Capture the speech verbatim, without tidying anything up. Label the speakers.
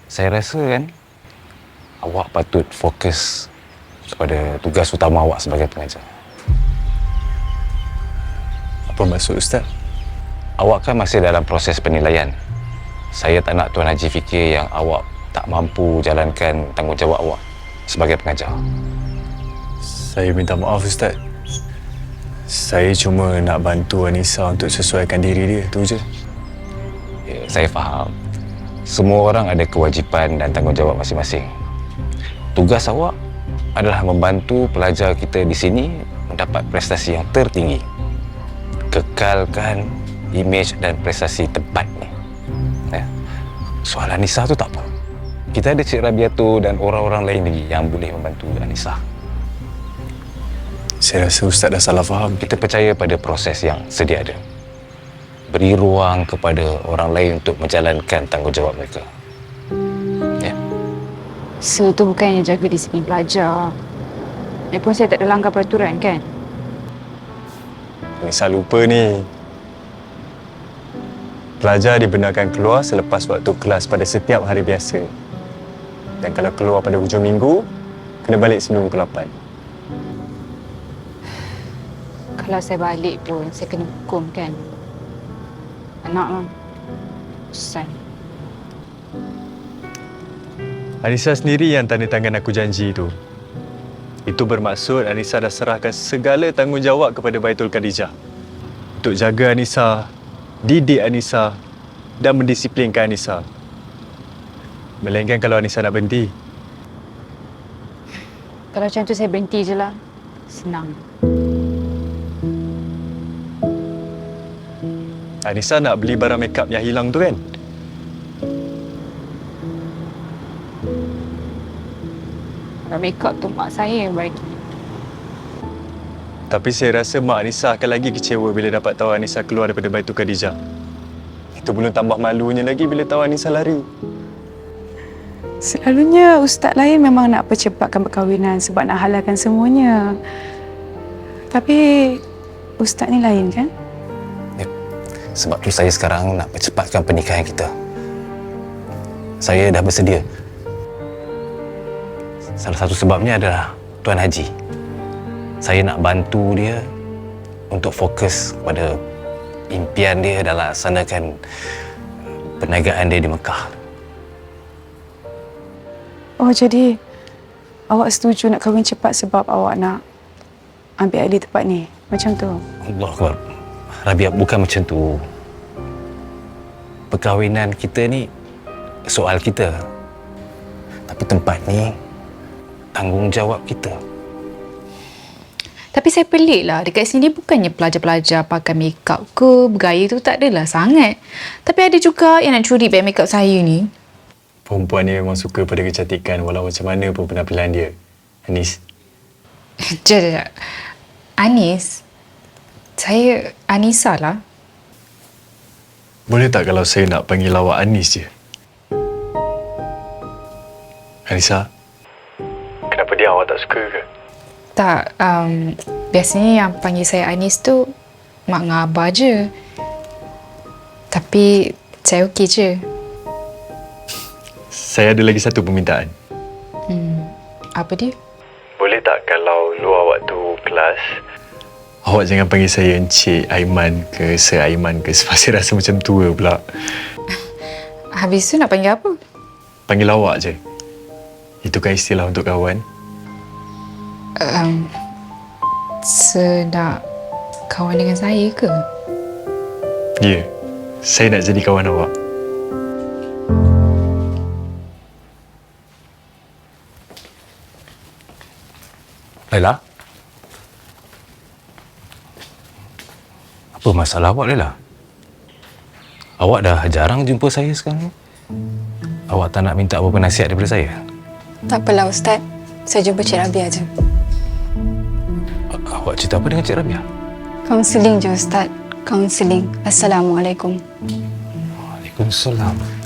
Speaker 1: Saya rasa kan, awak patut fokus kepada tugas utama awak sebagai pengajar.
Speaker 2: Apa maksud Ustaz?
Speaker 1: Awak kan masih dalam proses penilaian. Saya tak nak Tuan Haji fikir yang awak tak mampu jalankan tanggungjawab awak sebagai pengajar.
Speaker 2: Saya minta maaf Ustaz. Saya cuma nak bantu Anissa untuk sesuaikan diri dia, tu je.
Speaker 1: Ya, saya faham. Semua orang ada kewajipan dan tanggungjawab masing-masing. Tugas awak adalah membantu pelajar kita di sini mendapat prestasi yang tertinggi. Kekalkan imej dan prestasi tempat ni. Ya. Soal Anissa tu tak apa. Kita ada Cik Rabiatul dan orang-orang lain lagi yang boleh membantu Anissa.
Speaker 2: Saya rasa Ustaz dah salah faham.
Speaker 1: Kita percaya pada proses yang sedia ada. Beri ruang kepada orang lain untuk menjalankan tanggungjawab mereka. Ya.
Speaker 3: So tu bukannya jaga disiplin pelajar. Lagipun saya tak ada langgar peraturan kan?
Speaker 2: Anissa lupa ni. Pelajar dibenarkan keluar selepas waktu kelas pada setiap hari biasa. Dan kalau keluar pada hujung minggu, kena balik sebelum pukul lapan.
Speaker 3: Kalau saya balik pun, saya kena hukum kan? Anak lah. Bosan.
Speaker 2: Anissa sendiri yang tanda tangan aku janji tu. Itu bermaksud Anissa dah serahkan segala tanggungjawab kepada Baitul Khadijah. Untuk jaga Anissa, didik Anissa dan mendisiplinkan Anissa. Melainkan kalau Anissa nak berhenti.
Speaker 3: Kalau macam tu saya berhenti je lah. Senang.
Speaker 2: Anissa nak beli barang makeup yang hilang tu kan?
Speaker 3: Kalau makeup tu mak saya yang bagi.
Speaker 2: Tapi saya rasa mak Anissa akan lagi kecewa bila dapat tahu Anissa keluar daripada Baitul Khadijah. Itu belum tambah malunya lagi bila tahu Anissa lari.
Speaker 4: Selalunya ustaz lain memang nak percepatkan perkahwinan sebab nak halalkan semuanya. Tapi ustaz ni lain kan?
Speaker 1: Ya. Sebab tu saya sekarang nak percepatkan pernikahan kita. Saya dah bersedia. Salah satu sebabnya adalah Tuan Haji. Saya nak bantu dia untuk fokus pada impian dia dalam laksanakan perniagaan dia di Mekah.
Speaker 4: Oh, jadi awak setuju nak kahwin cepat sebab awak nak ambil alih tempat ni? Macam tu?
Speaker 1: Allah Akbar. Rabiah, bukan macam tu. Perkahwinan kita ni soal kita. Tapi tempat ni tanggungjawab kita.
Speaker 3: Tapi saya pelik lah. Dekat sini bukannya pelajar-pelajar pakai makeup ke, bergaya tu tak adalah sangat. Tapi ada juga yang nak curi beg makeup saya ni.
Speaker 2: Perempuan ni memang suka pada kecantikan walau macam mana pun penampilan dia. Anis.
Speaker 3: Jom, jom, jom. Anis? Saya Anissa lah.
Speaker 2: Boleh tak kalau saya nak panggil awak Anis je? Anissa, kenapa dia awak tak suka ke?
Speaker 3: Tak, um, biasanya yang panggil saya Anis tu mak dengan abah je. Tapi saya okey je.
Speaker 2: Saya ada lagi satu permintaan.
Speaker 3: Hmm, apa dia?
Speaker 2: Boleh tak kalau luar waktu kelas, awak jangan panggil saya Encik Aiman ke Sir Aiman ke sebab saya rasa macam tua pula.
Speaker 3: Habis tu nak panggil apa?
Speaker 2: Panggil awak je. Itu kan istilah untuk kawan.
Speaker 3: Um, Senak kawan dengan saya ke?
Speaker 2: Ya, saya nak jadi kawan awak.
Speaker 1: Laila? Apa masalah awak, Laila? Awak dah jarang jumpa saya sekarang. Awak tak nak minta apa-apa nasihat daripada saya?
Speaker 4: Tak apalah Ustaz. Saya jumpa Cik Rabia je.
Speaker 1: Awak cerita apa dengan Cik Rabia?
Speaker 4: Kaunseling je Ustaz. Kaunseling. Assalamualaikum.
Speaker 1: Waalaikumsalam.